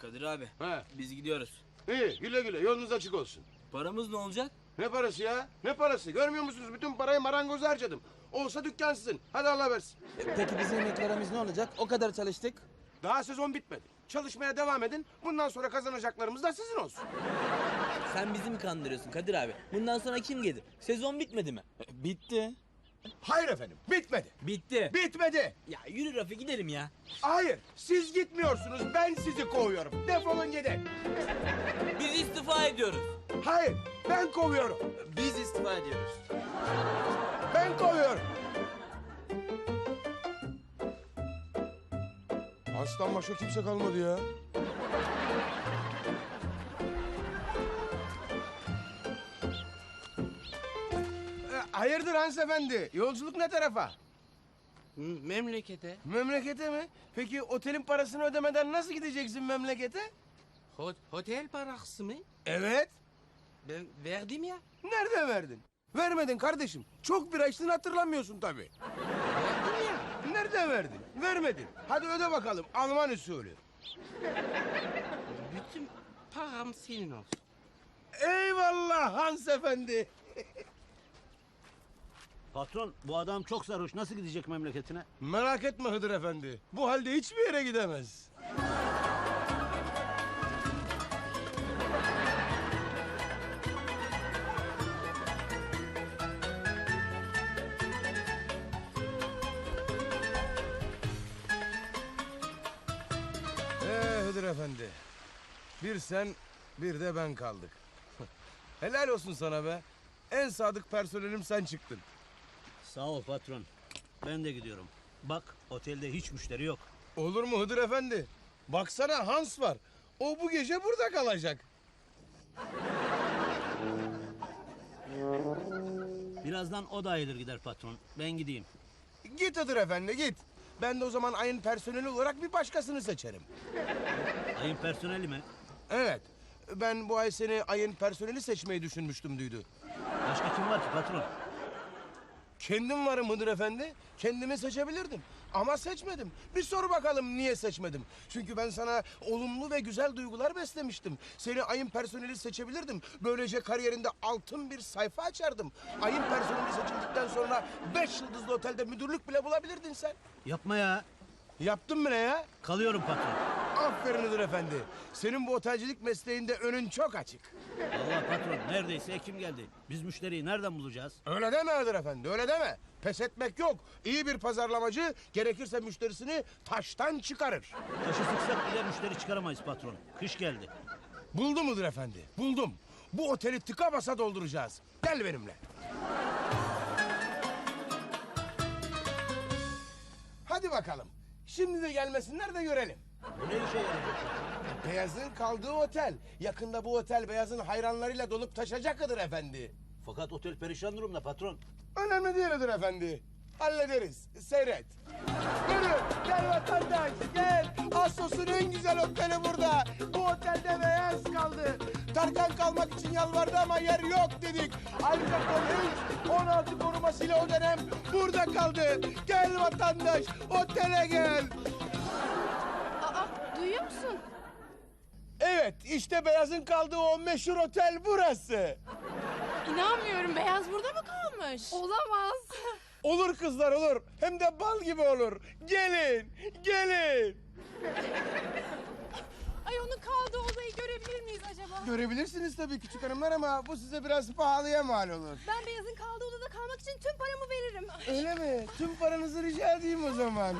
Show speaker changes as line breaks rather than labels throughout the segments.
Kadir abi,
He.
biz gidiyoruz.
İyi, güle güle, yolunuz açık olsun.
Paramız ne olacak?
Ne parası ya? Ne parası? Görmüyor musunuz? Bütün parayı marangoza harcadım. Olsa dükkan sizin. Hadi Allah versin.
Peki bizim emeklerimiz ne olacak? O kadar çalıştık.
Daha sezon bitmedi. Çalışmaya devam edin. Bundan sonra kazanacaklarımız da sizin olsun.
Sen bizi mi kandırıyorsun Kadir abi? Bundan sonra kim gelir? Sezon bitmedi mi?
Bitti.
Hayır efendim, bitmedi.
Bitti.
Bitmedi.
Ya yürü Rafi gidelim ya.
Hayır, siz gitmiyorsunuz. Ben sizi kovuyorum. Defolun gidin.
Biz istifa ediyoruz.
Hayır, ben kovuyorum.
Biz istifa ediyoruz.
Ben kovuyorum. Aslan başka kimse kalmadı ya. Hayırdır Hans Efendi? Yolculuk ne tarafa?
Memlekete.
Memlekete mi? Peki otelin parasını ödemeden nasıl gideceksin memlekete?
Otel parası mı?
Evet.
Ben verdim ya.
Nerede verdin? Vermedin kardeşim. Çok bira içtin hatırlamıyorsun tabii.
Verdim ya.
Nerede verdin? Vermedin. Hadi öde bakalım Alman usulü.
Bütün param senin olsun.
Eyvallah Hans Efendi.
Patron, bu adam çok sarhoş. Nasıl gidecek memleketine?
Merak etme Hıdır Efendi. Bu halde hiçbir yere gidemez. Hıdır Efendi. Bir sen, bir de ben kaldık. Helal olsun sana be. En sadık personelim sen çıktın.
Sağ ol patron. Ben de gidiyorum. Bak, otelde hiç müşteri yok.
Olur mu Hıdır Efendi? Baksana Hans var. O bu gece burada kalacak.
Birazdan o da ayrılır gider patron. Ben gideyim.
Git Hıdır Efendi git. Ben de o zaman ayın personeli olarak bir başkasını seçerim.
Ayın personeli mi?
Evet. Ben bu ay seni ayın personeli seçmeyi düşünmüştüm Düdü.
Başka kim var ki patron?
Kendim varım Hıdır Efendi. Kendimi seçebilirdim. Ama seçmedim. Bir sor bakalım niye seçmedim. Çünkü ben sana olumlu ve güzel duygular beslemiştim. Seni ayın personeli seçebilirdim. Böylece kariyerinde altın bir sayfa açardım. Ayın personeli seçildikten sonra 5 yıldızlı otelde müdürlük bile bulabilirdin sen.
Yapma ya.
Yaptın mı ne ya?
Kalıyorum patron.
Aferin Hıdır Efendi. Senin bu otelcilik mesleğinde önün çok açık.
Allah patron, neredeyse Ekim geldi. Biz müşteriyi nereden bulacağız?
Öyle deme Hıdır Efendi, öyle deme. Pes etmek yok. İyi bir pazarlamacı gerekirse müşterisini taştan çıkarır.
Taşı sıksak bile müşteri çıkaramayız patron. Kış geldi.
Buldum Hıdır Efendi, buldum. Bu oteli tıka basa dolduracağız. Gel benimle. Hadi bakalım. Şimdi de gelmesinler de görelim.
Bu ne işe yarayacak?
Beyaz'ın kaldığı otel. Yakında bu otel Beyaz'ın hayranlarıyla dolup taşacak Hıdır Efendi.
Fakat otel perişan durumda patron.
Önemli değil Hıdır Efendi. Hallederiz. Seyret. Yürü. Gel vatandaş. Gel. Assos'un en güzel oteli burada. Bu otelde Beyaz kaldı. Tarkan kalmak için yalvardı ama yer yok dedik. Ayrıca polis 16 korumasıyla o dönem burada kaldı. Gel vatandaş. Otele gel.
Aa, duyuyor musun?
Evet işte Beyaz'ın kaldığı o meşhur otel burası.
İnanmıyorum, Beyaz burada mı kalmış? Olamaz.
Olur kızlar olur. Hem de bal gibi olur. Gelin. Gelin.
Ay, onun kaldığı odayı görebilir miyiz acaba?
Görebilirsiniz tabii küçük hanımlar ama bu size biraz pahalıya mal olur.
Ben Beyaz'ın kaldığı odada kalmak için tüm paramı veririm.
Öyle mi? Tüm paranızı rica edeyim o zaman.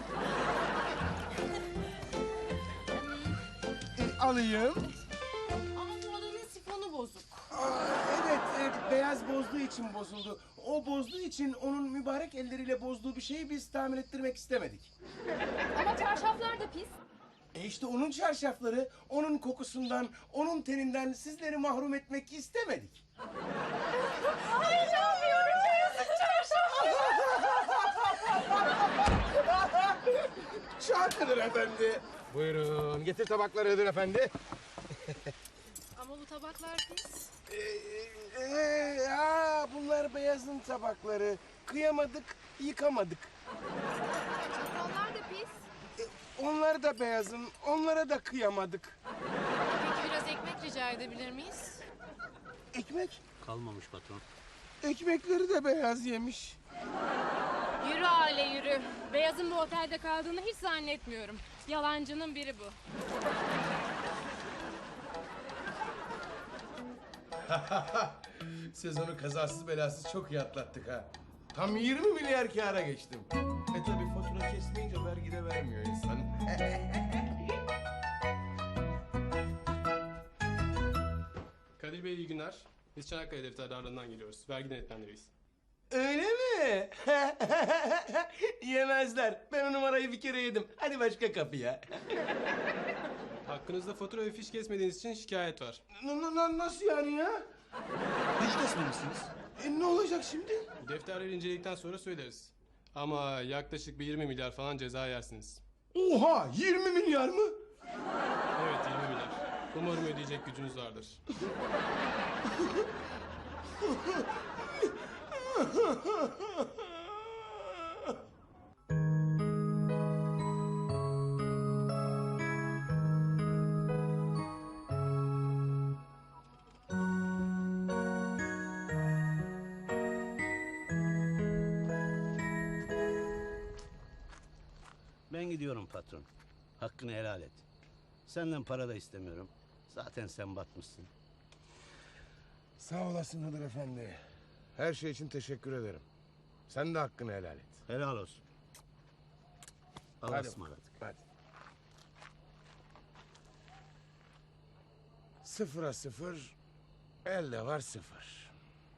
Alayım.
Ama bu odanın sifonu bozuk.
Evet, beyaz bozduğu için bozuldu. O bozduğu için onun mübarek elleriyle bozduğu bir şeyi biz tamir ettirmek istemedik.
Ama çarşaflar da pis.
İşte onun çarşafları, onun kokusundan, onun teninden sizleri mahrum etmek istemedik.
Ay, inanmıyorum, Beyaz'ın çarşafı.
Şarkıdır efendi. Buyurun, getir tabakları Hıdır Efendi.
Ama bu tabaklar pis.
Bunlar Beyaz'ın tabakları. Kıyamadık, yıkamadık.
Çatallar da pis.
Onlar da Beyaz'ın, onlara da kıyamadık.
rica edebilir miyiz?
Ekmek.
Kalmamış patron.
Ekmekleri de beyaz yemiş.
Yürü aile yürü. Beyaz'ın bu otelde kaldığını hiç zannetmiyorum. Yalancının biri bu.
Sezonu kazasız belasız çok iyi atlattık ha. Tam 20 milyar kâra geçtim. Tabi fatura kesmeyince vergi de vermiyor insan.
Kadir Bey iyi günler. Biz Çanakkale defterdarlığından geliyoruz. Vergi denetlendiriyiz.
Öyle mi? Yemezler. Ben o numarayı bir kere yedim. Hadi başka kapıya.
Hakkınızda fatura ve fiş kesmediğiniz için şikayet var.
Nasıl yani ya?
Hiç kesmemişsiniz.
Ne olacak şimdi?
Defterleri inceledikten sonra söyleriz. Ama yaklaşık bir 20 milyar falan ceza yersiniz.
Oha 20 milyar mı?
Evet 20 milyar. Umarım ödeyecek gücünüz vardır.
Ben gidiyorum patron. Hakkını helal et. Senden para da istemiyorum. Zaten sen batmışsın.
Sağ olasın Hıdır Efendi. Her şey için teşekkür ederim. Sen de hakkını helal et.
Helal olsun. Allah'a
Hadi.
ısmarladık.
Hadi. 0'a 0, elde var 0.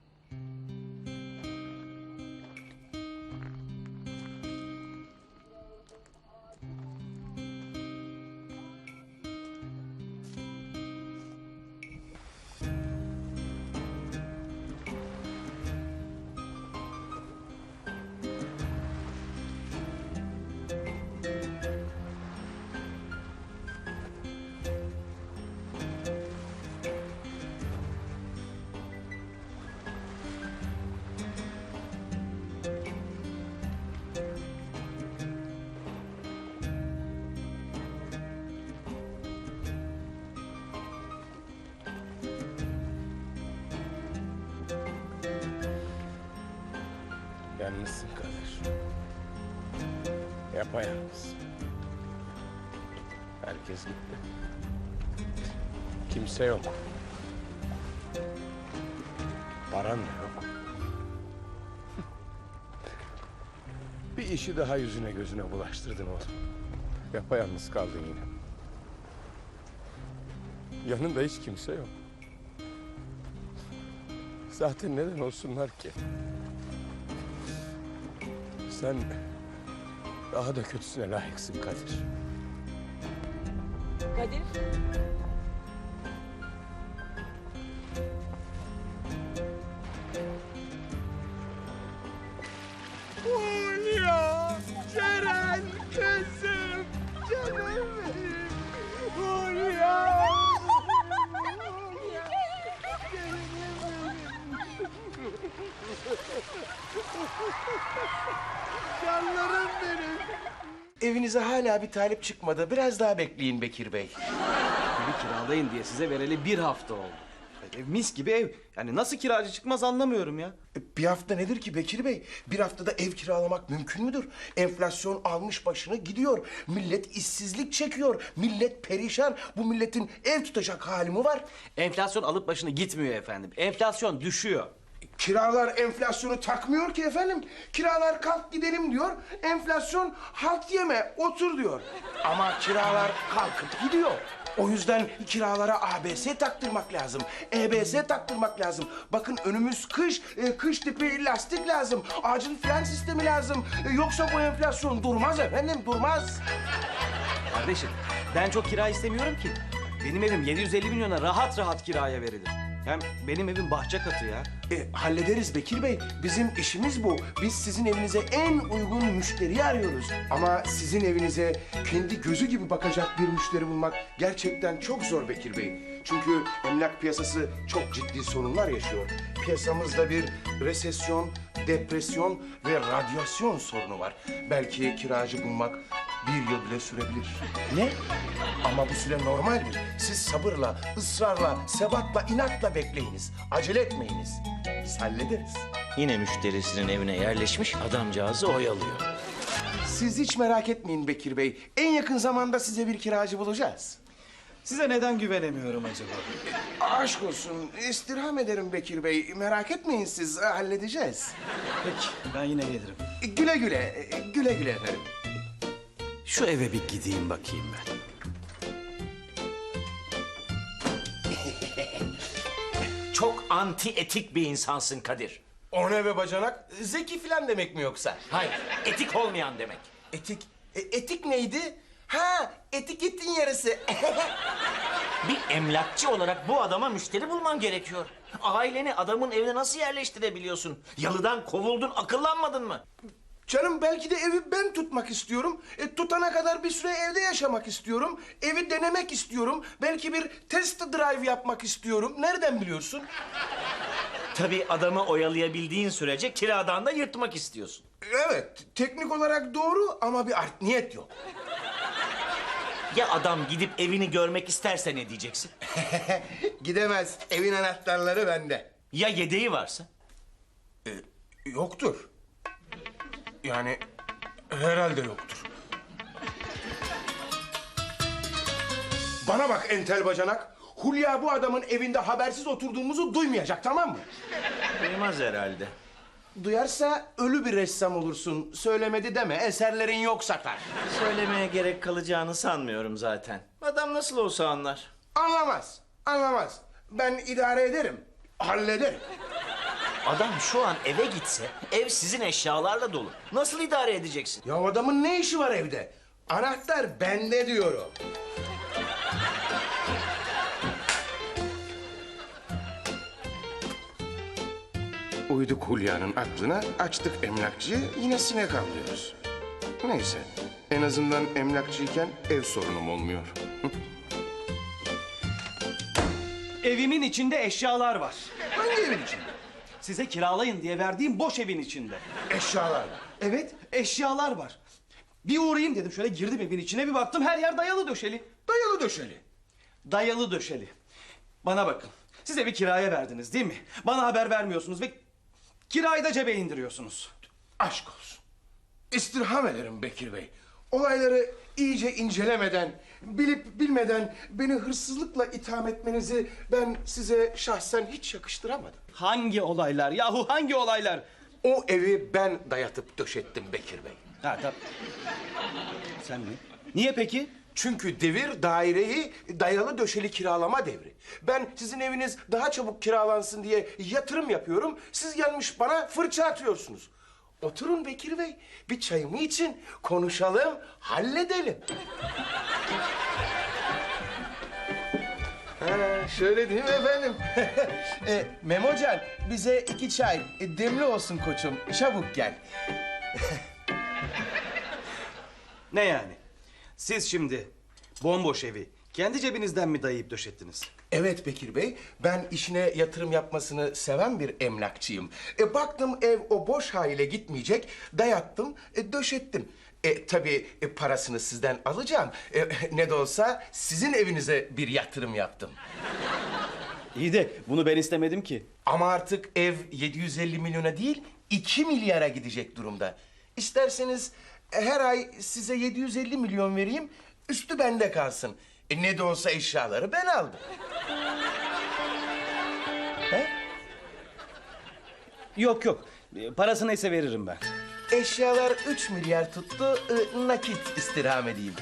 Yalnızsın Kadir. Yapayalnız. Herkes gitti. Kimse yok. Paran da yok. Bir işi daha yüzüne gözüne bulaştırdın oğlum. Yapayalnız kaldın yine. Yanında hiç kimse yok. Zaten neden olsunlar ki? Sen daha da kötüsüne layıksın Kadir.
Kadir.
Hulya, Ceren kızım, canım benim. Hulya. Canlarım benim.
Evinize hala bir talip çıkmadı. Biraz daha bekleyin Bekir Bey.
Evi kiralayın diye size vereli 1 hafta oldu. Ev mis gibi ev. Yani nasıl kiracı çıkmaz anlamıyorum ya.
Bir hafta nedir ki Bekir Bey? Bir haftada ev kiralamak mümkün müdür? Enflasyon almış başını gidiyor. Millet işsizlik çekiyor. Millet perişan. Bu milletin ev tutacak hali mi var?
Enflasyon alıp başını gitmiyor efendim. Enflasyon düşüyor.
Kiralar enflasyonu takmıyor ki efendim. Kiralar kalk gidelim diyor. Enflasyon halt yeme, otur diyor. Ama kiralar kalkıp gidiyor. O yüzden kiralara ABS taktırmak lazım. EBS taktırmak lazım. Bakın önümüz kış, kış tipi lastik lazım. Acil fren sistemi lazım. Yoksa bu enflasyon durmaz efendim, durmaz.
Kardeşim ben çok kira istemiyorum ki. Benim evim 750 milyona rahat rahat kiraya verilir. Hem benim evim bahçe katı ya.
Hallederiz Bekir Bey. Bizim işimiz bu. Biz sizin evinize en uygun müşteriyi arıyoruz. Ama sizin evinize kendi gözü gibi bakacak bir müşteri bulmak gerçekten çok zor Bekir Bey. Çünkü emlak piyasası çok ciddi sorunlar yaşıyor. Piyasamızda bir resesyon, depresyon ve radyasyon sorunu var. Belki kiracı bulmak 1 yıl bile sürebilir.
Ne?
Ama bu süre normaldir. Siz sabırla, ısrarla, sebatla, inatla bekleyiniz. Acele etmeyiniz. Biz hallederiz.
Yine müşterisinin evine yerleşmiş adamcağızı oyalıyor.
Siz hiç merak etmeyin Bekir Bey. En yakın zamanda size bir kiracı bulacağız.
Size neden güvenemiyorum acaba?
Aşk olsun. İstirham ederim Bekir Bey. Merak etmeyin siz. Halledeceğiz.
Peki, ben yine gelirim.
Güle güle. Güle güle efendim.
Şu eve bir gideyim bakayım ben. Çok anti etik bir insansın Kadir.
O ne be bacanak? Zeki filan demek mi yoksa?
Hayır, etik olmayan demek.
Etik. Etik neydi? Ha, etiketin yarısı.
Bir emlakçı olarak bu adama müşteri bulman gerekiyor. Aileni adamın evine nasıl yerleştirebiliyorsun? Yalıdan kovuldun, akıllanmadın mı?
Canım belki de evi ben tutmak istiyorum. Tutana kadar bir süre evde yaşamak istiyorum. Evi denemek istiyorum. Belki bir test drive yapmak istiyorum. Nereden biliyorsun?
Tabii adamı oyalayabildiğin sürece kiradan da yırtmak istiyorsun.
Evet, teknik olarak doğru ama bir art niyet yok.
Ya adam gidip evini görmek isterse ne diyeceksin?
Gidemez. Evin anahtarları bende.
Ya yedeği varsa?
Yoktur. Yani herhalde yoktur. Bana bak entel bacanak. Hulya bu adamın evinde habersiz oturduğumuzu duymayacak, tamam mı?
Duymaz herhalde.
Duyarsa ölü bir ressam olursun. Söylemedi deme, eserlerin yok satar.
Söylemeye gerek kalacağını sanmıyorum zaten. Adam nasıl olsa anlar.
Anlamaz, anlamaz. Ben idare ederim, hallederim.
Adam şu an eve gitse ev sizin eşyalarla dolu. Nasıl idare edeceksin?
Ya adamın ne işi var evde? Anahtar bende diyorum. Uyduk Hulya'nın aklına, açtık emlakçıyı, yine sinek avlıyoruz. Neyse, en azından emlakçıyken ev sorunum olmuyor.
Evimin içinde eşyalar var.
Hangi evin içinde?
Size kiralayın diye verdiğim boş evin içinde.
Eşyalar.
Evet, eşyalar var. Bir uğrayayım dedim, şöyle girdim evin içine, bir baktım her yer dayalı döşeli.
Dayalı döşeli.
Dayalı döşeli. Bana bakın, siz evi kiraya verdiniz değil mi? Bana haber vermiyorsunuz ve kirayı da cebe indiriyorsunuz.
Aşk olsun. İstirham ederim Bekir Bey. Olayları iyice incelemeden, bilip bilmeden beni hırsızlıkla itham etmenizi ben size şahsen hiç yakıştıramadım.
Hangi olaylar yahu, hangi olaylar?
O evi ben dayatıp döşettim Bekir Bey.
Ha tabii. Sen mi? Niye peki?
Çünkü devir daireyi dayalı döşeli kiralama devri. Ben sizin eviniz daha çabuk kiralansın diye yatırım yapıyorum. Siz gelmiş bana fırça atıyorsunuz. Oturun Bekir Bey, bir çayımı için konuşalım, halledelim. Ha, şöyle değil mi efendim? Memocan, bize 2 çay, demli olsun koçum, çabuk gel.
Ne yani? Siz şimdi bomboş evi kendi cebinizden mi dayayıp döşettiniz?
Evet Bekir Bey, ben işine yatırım yapmasını seven bir emlakçıyım. Baktım ev o boş haliyle gitmeyecek, dayattım, döşettim. Tabii parasını sizden alacağım. Ne de olsa sizin evinize bir yatırım yaptım.
İyi de bunu ben istemedim ki.
Ama artık ev 750 milyona değil, 2 milyara gidecek durumda. İsterseniz her ay size 750 milyon vereyim, üstü bende kalsın. Ne de olsa eşyaları ben aldım. He?
Yok yok, parası neyse veririm ben.
Eşyalar 3 milyar tuttu, nakit istirham edeyim.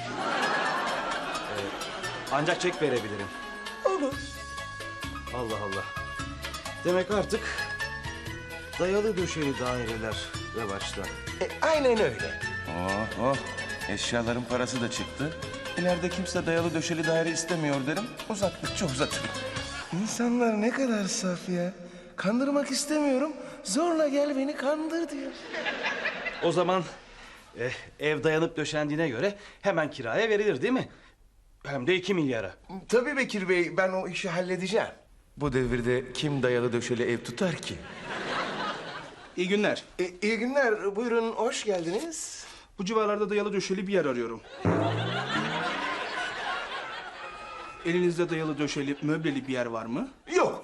Ancak çek verebilirim.
Olur.
Allah Allah. Demek artık dayalı döşeli daireler revaçta.
Aynen öyle. Oh, eşyaların parası da çıktı. İleride kimse dayalı döşeli daire istemiyor derim, uzattıkça uzatırım. İnsanlar ne kadar saf ya. Kandırmak istemiyorum, zorla gel beni kandır diyor.
O zaman ev dayanıp döşendiğine göre hemen kiraya verilir değil mi? Hem de 2 milyara.
Tabii Bekir Bey, ben o işi halledeceğim. Bu devirde kim dayalı döşeli ev tutar ki?
İyi günler.
İyi günler, buyurun, hoş geldiniz.
Bu civarlarda dayalı döşeli bir yer arıyorum. Elinizde dayalı döşeli, möbleli bir yer var mı?
Yok.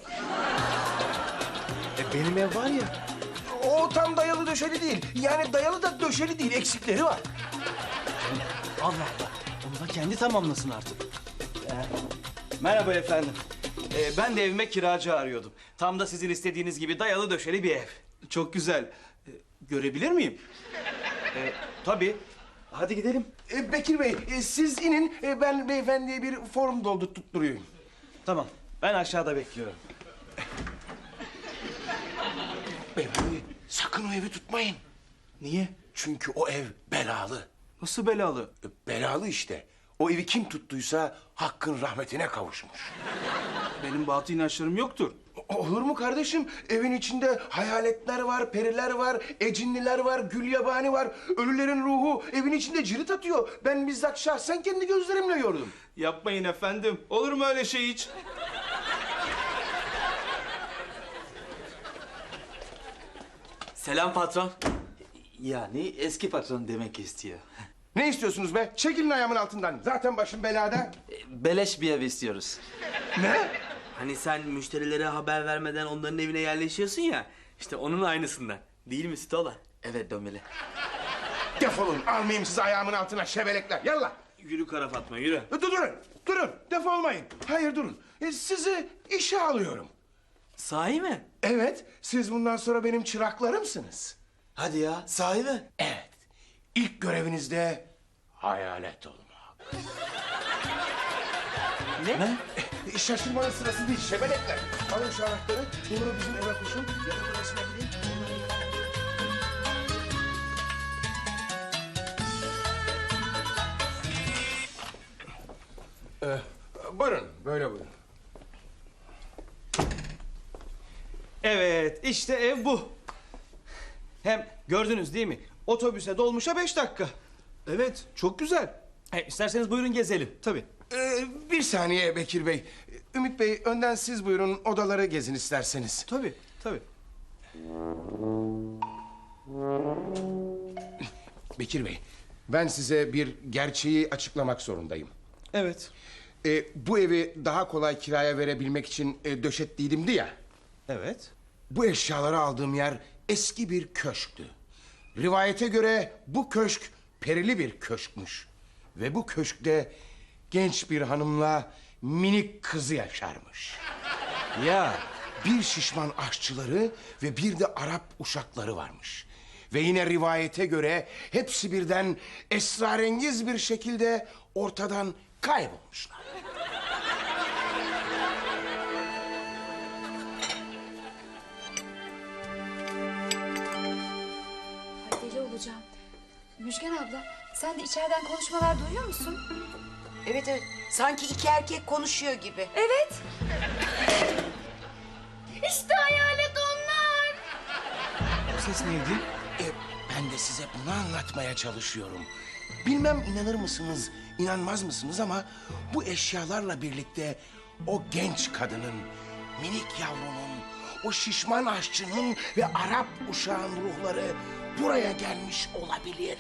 Benim ev var ya.
O tam dayalı döşeli değil. Yani dayalı da döşeli değil. Eksikleri var.
Allah Allah. Onu da kendi tamamlasın artık. Merhaba efendim. Ben de evime kiracı arıyordum. Tam da sizin istediğiniz gibi dayalı döşeli bir ev. Çok güzel. Görebilir miyim? Tabii. Hadi gidelim.
Bekir Bey, siz inin. Ben beyefendiye bir form doldurtturayım.
Tamam. Ben aşağıda bekliyorum.
Beyefendi, sakın o evi tutmayın.
Niye?
Çünkü o ev belalı.
Nasıl belalı?
Belalı işte. O evi kim tuttuysa Hakk'ın rahmetine kavuşmuş.
Benim batı inançlarım yoktur.
Olur mu kardeşim? Evin içinde hayaletler var, periler var, ecinliler var, gülyabani var. Ölülerin ruhu evin içinde cirit atıyor. Ben bizzat şahsen kendi gözlerimle gördüm.
Yapmayın efendim. Olur mu öyle şey hiç?
Selam patron. Yani eski patron demek istiyor.
Ne istiyorsunuz be? Çekilin ayağımın altından. Zaten başım belada.
Beleş bir ev istiyoruz.
Ne?
Hani sen müşterilere haber vermeden onların evine yerleşiyorsun ya. İşte onun aynısından. Değil mi Stola?
Evet Domeli.
Defolun. Almayayım sizi ayağımın altına şebelekler. Yallah.
Yürü kara Fatma yürü.
Durun. Defolmayın. Hayır durun. Sizi işe alıyorum.
Sahi mi?
Evet, siz bundan sonra benim çıraklarımsınız.
Hadi ya, sahi mi?
Evet. İlk görevinizde hayalet olmak.
Ne?
Şaşırmanın sırası değil, şebelekler. Alın şu anahtarı, doğru bizim eve koşun. Yakın odasına gidin. Buyurun, böyle buyurun.
Evet, işte ev bu. Hem gördünüz değil mi? Otobüse dolmuşa 5 dakika. Evet, çok güzel. İsterseniz buyurun gezelim. Tabii.
Bir saniye Bekir Bey. Ümit Bey, önden siz buyurun, odaları gezin isterseniz.
Tabii.
Bekir Bey, ben size bir gerçeği açıklamak zorundayım.
Evet.
Bu evi daha kolay kiraya verebilmek için döşettiydimdi ya.
Evet.
Bu eşyaları aldığım yer eski bir köşktü. Rivayete göre bu köşk perili bir köşkmüş. Ve bu köşkte genç bir hanımla minik kızı yaşarmış.
Ya.
Bir şişman aşçıları ve bir de Arap uşakları varmış. Ve yine rivayete göre hepsi birden esrarengiz bir şekilde ortadan kaybolmuşlar.
Deli olacağım. Müjgan abla, sen de içeriden konuşmalar duyuyor musun?
Evet. Sanki iki erkek konuşuyor gibi.
Evet. İşte hayalet onlar.
Bu ses neydi?
Ben de size bunu anlatmaya çalışıyorum. Bilmem inanır mısınız, inanmaz mısınız ama bu eşyalarla birlikte o genç kadının, minik yavrunun, o şişman aşçının ve Arap uşağın ruhları buraya gelmiş olabilir.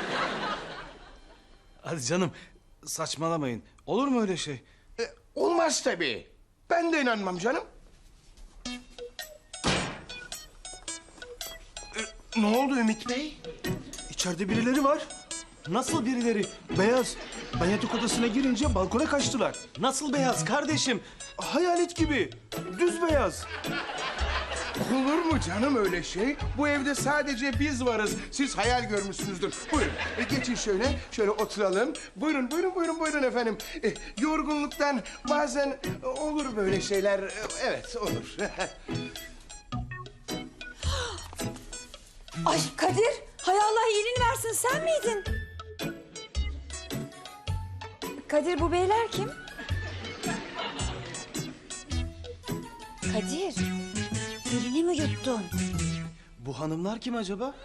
Hadi canım, saçmalamayın. Olur mu öyle şey?
Olmaz tabii. Ben de inanmam canım. Ne oldu Ümit Bey?
İçeride birileri var. Nasıl birileri? Beyaz. Ben yatak odasına girince balkona kaçtılar. Nasıl beyaz kardeşim? Hayalet gibi. Düz beyaz.
Olur mu canım öyle şey? Bu evde sadece biz varız. Siz hayal görmüşsünüzdür. Buyurun geçin şöyle oturalım. Buyurun efendim. Yorgunluktan bazen olur böyle şeyler. Evet olur.
Ay Kadir, hay Allah iyiliğini versin, sen miydin? Kadir, bu beyler kim? Kadir, dilini mi yuttun?
Bu hanımlar kim acaba?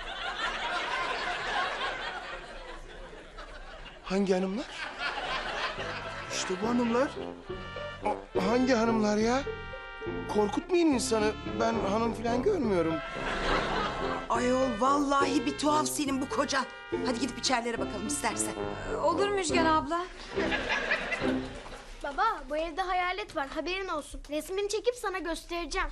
Hangi hanımlar?
İşte bu hanımlar.
Hangi hanımlar ya? Korkutmayın insanı. Ben hanım falan görmüyorum.
Ayol vallahi bir tuhaf senin bu kocan. Hadi gidip içerilere bakalım istersen.
Olur Müjgan abla.
Baba, bu evde hayalet var, haberin olsun. Resmini çekip sana göstereceğim.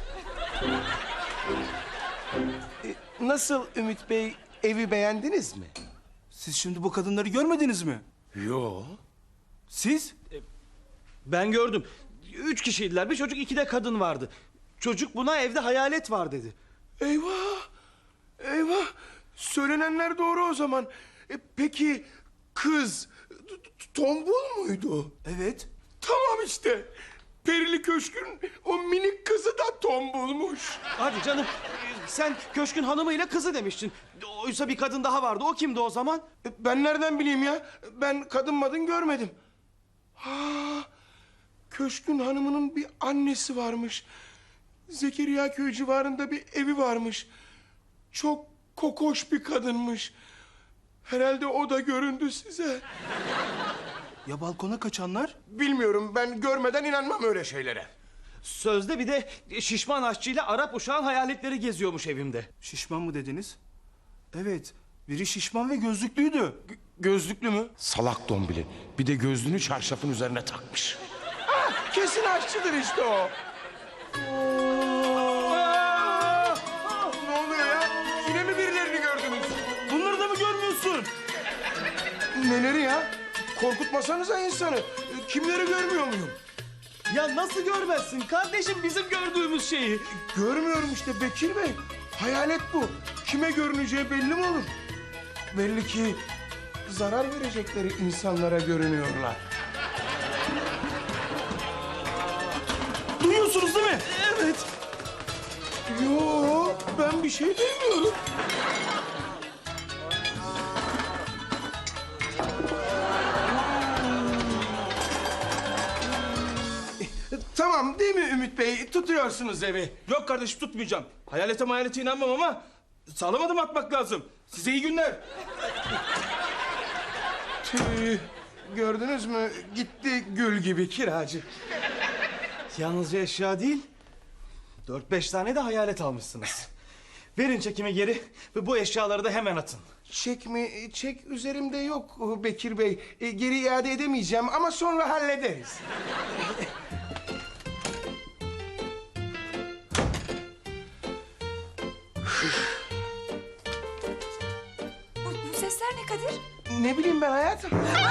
Nasıl Ümit Bey, evi beğendiniz mi?
Siz şimdi bu kadınları görmediniz mi?
Yo.
Siz? Ben gördüm. 3 kişiydiler. Bir çocuk, 2 de kadın vardı. Çocuk buna evde hayalet var dedi.
Eyvah! Eyvah! Söylenenler doğru o zaman. Peki kız tombul muydu?
Evet.
Tamam işte. Perili Köşk'ün o minik kızı da tombulmuş.
Hadi canım. Sen köşkün hanımıyla kızı demiştin. Oysa bir kadın daha vardı. O kimdi o zaman?
Ben nereden bileyim ya? Ben kadın madın görmedim. Ha, Köşkün hanımının bir annesi varmış. Zekeriya köy civarında bir evi varmış. Çok kokoş bir kadınmış. Herhalde o da göründü size.
Ya balkona kaçanlar?
Bilmiyorum, ben görmeden inanmam öyle şeylere.
Sözde bir de şişman aşçıyla Arap uşağın hayaletleri geziyormuş evimde. Şişman mı dediniz? Evet. Biri şişman ve gözlüklüydü.
Gözlüklü mü? Salak dombili. Bir de gözlüğünü çarşafın üzerine takmış. Ah, kesin aşçıdır işte o. Ne oluyor ya? Yine mi birilerini gördünüz?
Bunları da mı görmüyorsun?
Neleri ya? Korkutmasanıza insanı. Kimleri görmüyor muyum?
Ya nasıl görmezsin kardeşim bizim gördüğümüz şeyi?
Görmüyorum işte Bekir Bey. Hayalet bu. Kime görüneceği belli mi olur? Belli ki zarar verecekleri insanlara görünüyorlar.
Duyuyorsunuz değil mi? Evet.
Yo, ben bir şey demiyorum. Tamam değil mi Ümit Bey? Tutuyorsunuz evi.
Yok kardeşim tutmayacağım. Hayalete inanmam ama sağlam adım atmak lazım. Size iyi günler.
Tüh, gördünüz mü? Gitti gül gibi kiracı.
Yalnızca eşya değil, 4-5 tane de hayalet almışsınız. Verin çekimi geri ve bu eşyaları da hemen atın.
Çek mi? Çek üzerimde yok Bekir Bey. Geri iade edemeyeceğim ama sonra hallederiz.
Bu sesler ne Kadir?
Ne bileyim ben hayatım.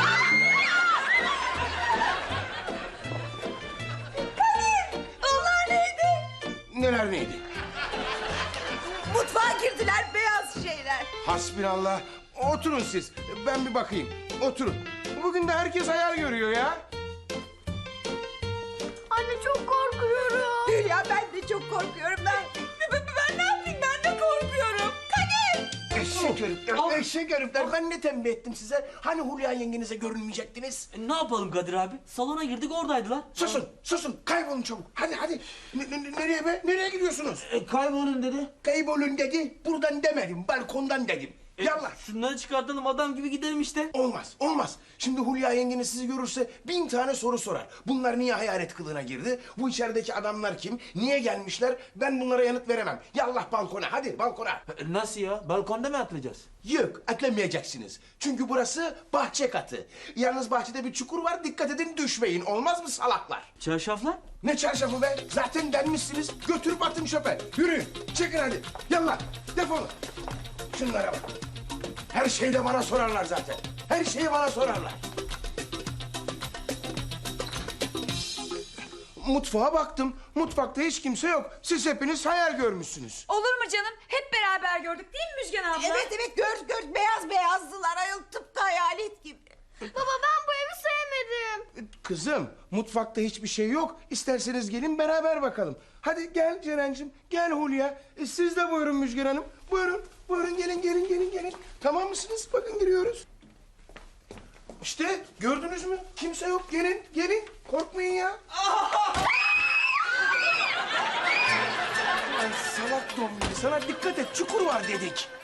Onlar neydi?
Neler neydi?
Mutfağa girdiler beyaz şeyler.
Hasbinallah. Oturun siz. Ben bir bakayım. Oturun. Bugün de herkes hayal görüyor ya.
Anne çok korkuyorum.
Hülya ben de çok korkuyorum. Ben ne yapayım, ben de korkuyorum. Kadir!
Eşek herifler, eşek herifler. Ben ne tembih ettim size? Hani Hulya yengenize görünmeyecektiniz?
Ne yapalım Kadir abi? Salona girdik oradaydılar.
Susun, susun. Kaybolun çabuk. Hadi, hadi. Nereye be? Nereye gidiyorsunuz?
Kaybolun dedi.
Kaybolun dedi. Buradan demedim, balkondan dedim. Yallah.
Şunları çıkartalım adam gibi gidelim işte.
Olmaz, olmaz. Şimdi Hulya yengeniz sizi görürse 1000 tane soru sorar. Bunlar niye hayalet kılığına girdi? Bu içerideki adamlar kim? Niye gelmişler? Ben bunlara yanıt veremem. Yallah balkona, hadi balkona.
Nasıl ya? Balkonda mı atlayacağız?
Yok, atlamayeceksiniz. Çünkü burası bahçe katı. Yalnız bahçede bir çukur var, dikkat edin düşmeyin. Olmaz mı salaklar?
Çarşaflar?
Ne çarşafı be? Zaten denmişsiniz. Götürüp atın çöpe. Yürüyün, çekin hadi. Yallah, defolun. Şunlara bak. Her şeyde bana sorarlar zaten. Her şeyi bana sorarlar. Mutfağa baktım. Mutfakta hiç kimse yok. Siz hepiniz hayal görmüşsünüz.
Olur mu canım? Hep beraber gördük değil mi Müjgan abla?
Evet evet gör beyaz beyazdılar ayol tıpkı hayalet gibi.
Baba ben bu evi sevmedim.
Kızım, mutfakta hiçbir şey yok. İsterseniz gelin beraber bakalım. Hadi gel Ceren'cim, gel Hulya. Siz de buyurun Müjgan Hanım. Buyurun, buyurun gelin. Tamam mısınız? Bakın giriyoruz. İşte gördünüz mü? Kimse yok. Gelin. Korkmayın ya. Ay salak dombili, sana dikkat et. Çukur var dedik.